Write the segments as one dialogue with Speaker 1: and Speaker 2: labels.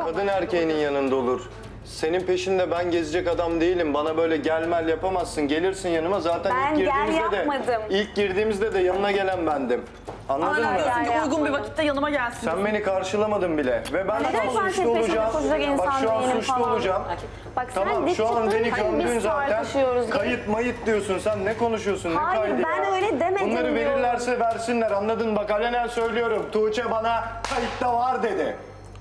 Speaker 1: Kadın erkeğinin yanında olur. Senin peşinde ben gezecek adam değilim. Bana böyle gelmel yapamazsın. Gelirsin yanıma. Zaten
Speaker 2: Ben gel yapmadım.
Speaker 1: ilk girdiğimizde de yanına gelen bendim. Anladın mı?
Speaker 2: Yani
Speaker 3: Uygun bir vakitte yanıma gelsin.
Speaker 1: Sen beni karşılamadın bile. Ve ben
Speaker 2: Neden
Speaker 1: şu an
Speaker 2: ben
Speaker 1: suçlu
Speaker 2: senin peşinde
Speaker 1: olacağım.
Speaker 2: koşacak insan
Speaker 1: Bak şu an
Speaker 2: değilim
Speaker 1: suçlu
Speaker 2: falan.
Speaker 1: olacağım.
Speaker 2: Bak sen
Speaker 1: Tamam
Speaker 2: dik
Speaker 1: şu an
Speaker 2: çıktın,
Speaker 1: beni
Speaker 2: hani
Speaker 1: gömdün
Speaker 2: biz
Speaker 1: zaten.
Speaker 2: tartışıyoruz.
Speaker 1: Kayıt mayıt diyorsun sen. Ne konuşuyorsun? Ne
Speaker 2: Hayır,
Speaker 1: kaydı
Speaker 2: ben
Speaker 1: ya?
Speaker 2: öyle demedim
Speaker 1: Bunları
Speaker 2: diyorum.
Speaker 1: verirlerse versinler. Anladın mı? Bak alenen söylüyorum. Tuğçe bana kayıtta var dedi.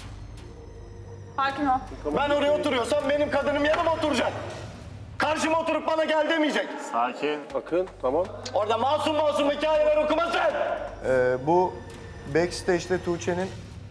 Speaker 3: Sakin ol.
Speaker 1: Ben oraya oturuyorsam benim kadınım yanıma oturacak. Karşıma oturup bana gel demeyecek.
Speaker 4: Sakin. Bakın tamam.
Speaker 1: Orada masum masum hikayeler okumasın. Bu backstage'de Tuğçe'nin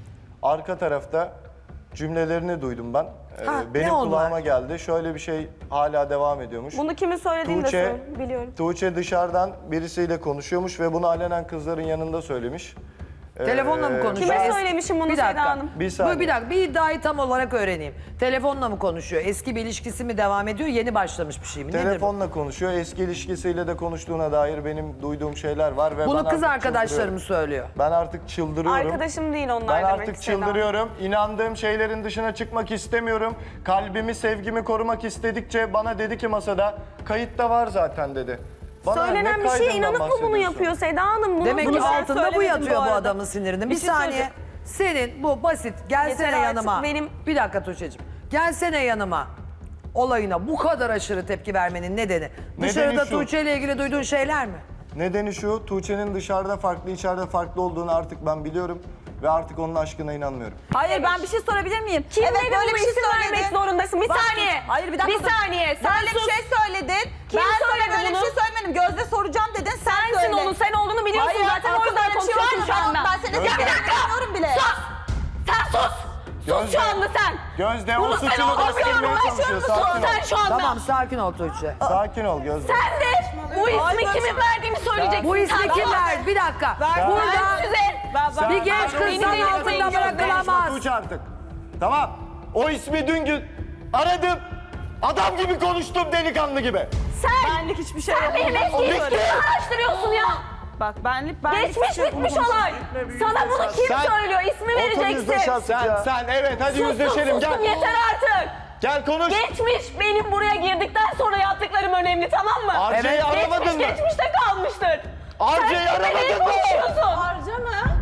Speaker 1: arka tarafta cümlelerini duydum ben. Benim
Speaker 5: ne oldu?
Speaker 1: kulağıma geldi. Şöyle bir şey hala devam ediyormuş.
Speaker 2: Bunu kimin söylediğini de biliyorum.
Speaker 1: Tuğçe dışarıdan birisiyle konuşuyormuş ve bunu alenen kızların yanında söylemiş.
Speaker 5: Telefonla mı konuşuyor?
Speaker 2: Kime söylemişim bunu
Speaker 5: Bir
Speaker 2: Seda
Speaker 5: dakika.
Speaker 2: Hanım?
Speaker 1: Bir saniye.
Speaker 5: Bir dakika. Bir iddiayı tam olarak öğreneyim. Telefonla mı konuşuyor? Eski bir ilişkisi mi devam ediyor? Yeni başlamış bir şey mi? Nedir bu?
Speaker 1: Telefonla konuşuyor. Eski ilişkisiyle de konuştuğuna dair benim duyduğum şeyler var ve
Speaker 5: Bunu
Speaker 1: ben
Speaker 5: kız
Speaker 1: artık
Speaker 5: arkadaşlarım
Speaker 1: çıldırıyorum.
Speaker 5: söylüyor.
Speaker 1: Ben artık çıldırıyorum.
Speaker 2: Arkadaşım değil onlar
Speaker 1: Ben
Speaker 2: demek
Speaker 1: artık
Speaker 2: Seda Hanım.
Speaker 1: çıldırıyorum. İnandığım şeylerin dışına çıkmak istemiyorum. Kalbimi, sevgimi korumak istedikçe bana dedi ki masada kayıtta var zaten dedi. Bana
Speaker 2: Söylenen
Speaker 1: ne
Speaker 2: bir şeye
Speaker 1: kaydından
Speaker 2: inanıp mı bunu
Speaker 1: bahsediyorsun?
Speaker 2: yapıyor Seda Hanım? Bunu
Speaker 5: Demek ki
Speaker 2: ben
Speaker 5: altında bu
Speaker 2: söylemedim
Speaker 5: yatıyor bu
Speaker 2: arada.
Speaker 5: adamın sinirinde. Bir
Speaker 2: şey
Speaker 5: saniye.
Speaker 2: söyleyeceğim.
Speaker 5: Senin bu basit gelsene
Speaker 2: Yeter artık,
Speaker 5: yanıma.
Speaker 2: benim-
Speaker 5: Bir dakika Tuğçe'cim. Gelsene yanıma. Olayına bu kadar aşırı tepki vermenin nedeni. Dışarıda
Speaker 1: şu.
Speaker 5: Tuğçe ile ilgili duyduğun şeyler mi?
Speaker 1: Nedeni şu, Tuğçe'nin dışarıda farklı, içeride farklı olduğunu artık ben biliyorum. Ve artık onun aşkına inanmıyorum.
Speaker 3: Hayır ben bir şey sorabilir miyim?
Speaker 2: Kim
Speaker 3: evet,
Speaker 2: dedi
Speaker 3: böyle
Speaker 2: bunu
Speaker 3: bir şey
Speaker 2: isim vermek
Speaker 3: söyledin.
Speaker 2: zorundasın? Bir
Speaker 3: Bak,
Speaker 2: saniye.
Speaker 3: Hayır bir dakika.
Speaker 2: Bir saniye. Sen
Speaker 3: Böyle
Speaker 2: sus.
Speaker 3: bir şey söyledin.
Speaker 2: Kim
Speaker 3: ben sana
Speaker 2: söyledi
Speaker 3: böyle
Speaker 2: bunu?
Speaker 3: bir şey söylemedim. Gözde soracağım dedin. Sen
Speaker 2: Sensin
Speaker 3: söyle.
Speaker 2: onu, sen olduğunu biliyorsun
Speaker 3: Hayır,
Speaker 2: zaten. O
Speaker 3: akılda
Speaker 2: yüzden
Speaker 3: öyle bir şey var
Speaker 2: konuşuyorsun
Speaker 3: mı?
Speaker 2: şu anda.
Speaker 3: Ben seni
Speaker 1: Gözde.
Speaker 3: dinlemiyorum bile.
Speaker 2: Sus! Sen sus! Sus şu anda sen!
Speaker 1: Gözde
Speaker 2: Bunu
Speaker 1: o
Speaker 2: sen
Speaker 1: suçunu
Speaker 2: anlamıyorum,
Speaker 1: bastırmaya
Speaker 2: ben şu
Speaker 1: çalışıyor.
Speaker 2: anda
Speaker 1: Sakin ol.
Speaker 2: sen şu anda.
Speaker 5: Tamam sakin ol Tuğçe.
Speaker 1: Sakin ol Gözde.
Speaker 2: Sen de bu ismi
Speaker 3: Ay,
Speaker 2: kimin verdiğini söyleyeceksin.
Speaker 5: Bu ismi
Speaker 2: Sen
Speaker 5: kim
Speaker 2: sus.
Speaker 5: verdi? Bir dakika.
Speaker 2: Ben
Speaker 5: Burada
Speaker 2: size.
Speaker 5: bir genç kız
Speaker 2: Beni
Speaker 5: zan
Speaker 2: delirtmeyin,
Speaker 5: altında
Speaker 2: Gözde.
Speaker 5: bırakılamaz.
Speaker 1: Tuğçe artık. Tamam. O ismi dün gün aradım. Adam gibi konuştum delikanlı gibi.
Speaker 2: Sen,
Speaker 3: Benlik hiçbir şey
Speaker 2: sen
Speaker 3: yok.
Speaker 2: benim eski ilişkimi araştırıyorsun ya.
Speaker 3: Bak benlik
Speaker 2: Geçmiş bitmiş olay. Sana bunu kim
Speaker 1: Sen-
Speaker 2: söylüyor? İsmi vereceksin.
Speaker 1: Sen evet hadi yüzleşelim
Speaker 2: Sustum,
Speaker 1: gel.
Speaker 2: yeter artık.
Speaker 1: Gel konuş.
Speaker 2: Geçmiş benim buraya girdikten sonra yaptıklarım önemli, tamam mı?
Speaker 1: Arca'yı aramadın mı?
Speaker 2: Geçmişte kalmıştır.
Speaker 1: Arca'yı
Speaker 2: Sen
Speaker 1: aramadın
Speaker 2: kimle
Speaker 1: mı?
Speaker 2: konuşuyorsun?
Speaker 3: Harca mı?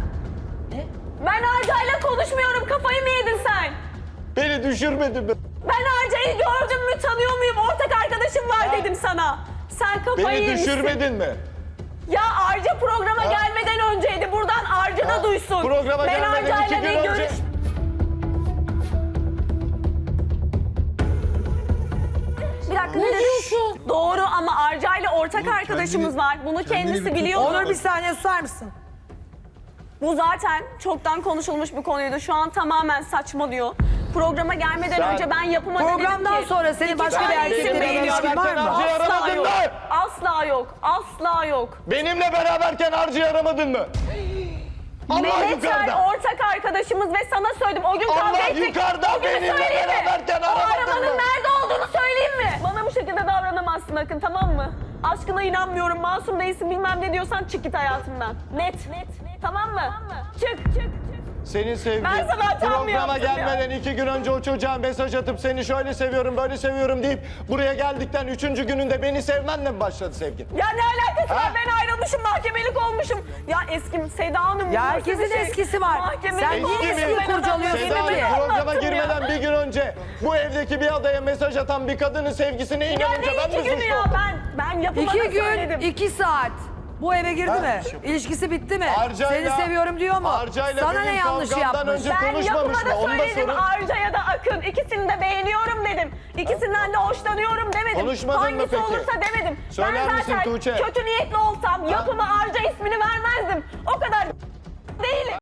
Speaker 2: Ben Arca'yla konuşmuyorum. Kafayı mı yedin sen?
Speaker 1: Beni düşürmedin mi?
Speaker 2: Ben Arca'yı gördüm mü, tanıyor muyum? Ortak arkadaşım var dedim sana. Sen kafayı
Speaker 1: Beni
Speaker 2: yemişsin.
Speaker 1: düşürmedin mi?
Speaker 2: Ya Arca programa gelmeden önceydi. Buradan Arca da duysun.
Speaker 1: Programa
Speaker 2: ben
Speaker 1: gelmeden
Speaker 2: Arca'yla
Speaker 1: 2 gün
Speaker 2: bir
Speaker 1: önce.
Speaker 2: Bir dakika ne diyorsun? Doğru ama Arca'yla ortak arkadaşımız var. Bunu kendisi biliyor.
Speaker 5: Onur bir saniye susar mısın?
Speaker 2: Bu zaten çoktan konuşulmuş bir konuydu. Şu an tamamen saçmalıyor. Programa gelmeden
Speaker 1: Sen-
Speaker 2: önce ben yapıma
Speaker 5: Programdan
Speaker 2: dedim ki...
Speaker 5: sonra senin başka bir
Speaker 2: tane
Speaker 5: erkekle
Speaker 2: isim
Speaker 5: bir
Speaker 2: benim
Speaker 5: ilişkin var mı?
Speaker 1: Arca'yı
Speaker 2: Asla
Speaker 1: aramadın
Speaker 2: yok.
Speaker 1: mı?
Speaker 2: Asla yok. Asla yok.
Speaker 1: Benimle beraberken Arca'yı aramadın mı? Allah
Speaker 2: Mehmet
Speaker 1: yukarıda.
Speaker 2: ortak arkadaşımız ve sana söyledim. O gün kavga
Speaker 1: Allah
Speaker 2: ettik.
Speaker 1: yukarıda,
Speaker 2: O günü
Speaker 1: benimle
Speaker 2: söyleyeyim mi?
Speaker 1: beraberken
Speaker 2: O
Speaker 1: aramadın
Speaker 2: arabanın
Speaker 1: mı?
Speaker 2: nerede olduğunu söyleyeyim mi? Bana bu şekilde davranamazsın Akın, tamam mı? Aşkına inanmıyorum, masum değilsin bilmem ne diyorsan çık git hayatımdan. Net. Tamam mı? Çık.
Speaker 1: Senin sevgin
Speaker 2: Ben sana hatam mı
Speaker 1: programa
Speaker 2: yaptım ya?
Speaker 1: gelmeden 2 gün önce o çocuğa mesaj atıp seni şöyle seviyorum böyle seviyorum deyip buraya geldikten 3. gününde beni sevmenle mi başladı sevgin?
Speaker 2: Ya ne alakası
Speaker 1: Ha?
Speaker 2: var? Ben ayrılmışım, mahkemelik olmuşum. Ya eskim Seda Hanım.
Speaker 5: Ya
Speaker 2: bu nasıl
Speaker 5: herkesin
Speaker 2: bir şey?
Speaker 5: eskisi var.
Speaker 2: Mahkemelik
Speaker 5: Sen niye
Speaker 2: olmuşum
Speaker 5: eskiyi
Speaker 2: ben
Speaker 5: kurcalıyorsun
Speaker 2: adamı.
Speaker 1: Seda
Speaker 5: Yemin
Speaker 1: Hanım
Speaker 5: ederim.
Speaker 1: programa
Speaker 2: Anlattım ya.
Speaker 1: girmeden bir gün önce bu evdeki bir adaya mesaj atan bir kadının sevgisine
Speaker 2: Ya
Speaker 1: inanınca
Speaker 2: ne
Speaker 1: ben mi
Speaker 2: 2 günü
Speaker 1: suçlu
Speaker 2: ya?
Speaker 1: oldum?
Speaker 2: Ben yapıma
Speaker 5: 2
Speaker 2: da
Speaker 5: gün,
Speaker 2: söyledim.
Speaker 5: 2 saat. Bu eve girdi
Speaker 1: Ha?
Speaker 5: mi? İlişkisi bitti mi?
Speaker 1: Arca'yla-
Speaker 5: Seni seviyorum diyor mu?
Speaker 1: Arca'yla
Speaker 5: Sana ne
Speaker 1: benim
Speaker 5: yanlış
Speaker 1: kavgamdan
Speaker 5: yapmış?
Speaker 1: önce-
Speaker 2: Ben
Speaker 1: konuşmamış
Speaker 2: yapıma
Speaker 1: mı?
Speaker 2: da
Speaker 1: Onu da
Speaker 2: söyledim.
Speaker 1: sorun.
Speaker 2: Arca ya da Akın. İkisini de beğeniyorum dedim. İkisinden de hoşlanıyorum demedim.
Speaker 1: Konuşmadın mı
Speaker 2: Hangisi
Speaker 1: peki?
Speaker 2: olursa demedim.
Speaker 1: Söyler
Speaker 2: ben
Speaker 1: misin
Speaker 2: zaten
Speaker 1: Tuğçe?
Speaker 2: kötü niyetli olsam yapıma Arca ismini vermezdim. O kadar değilim.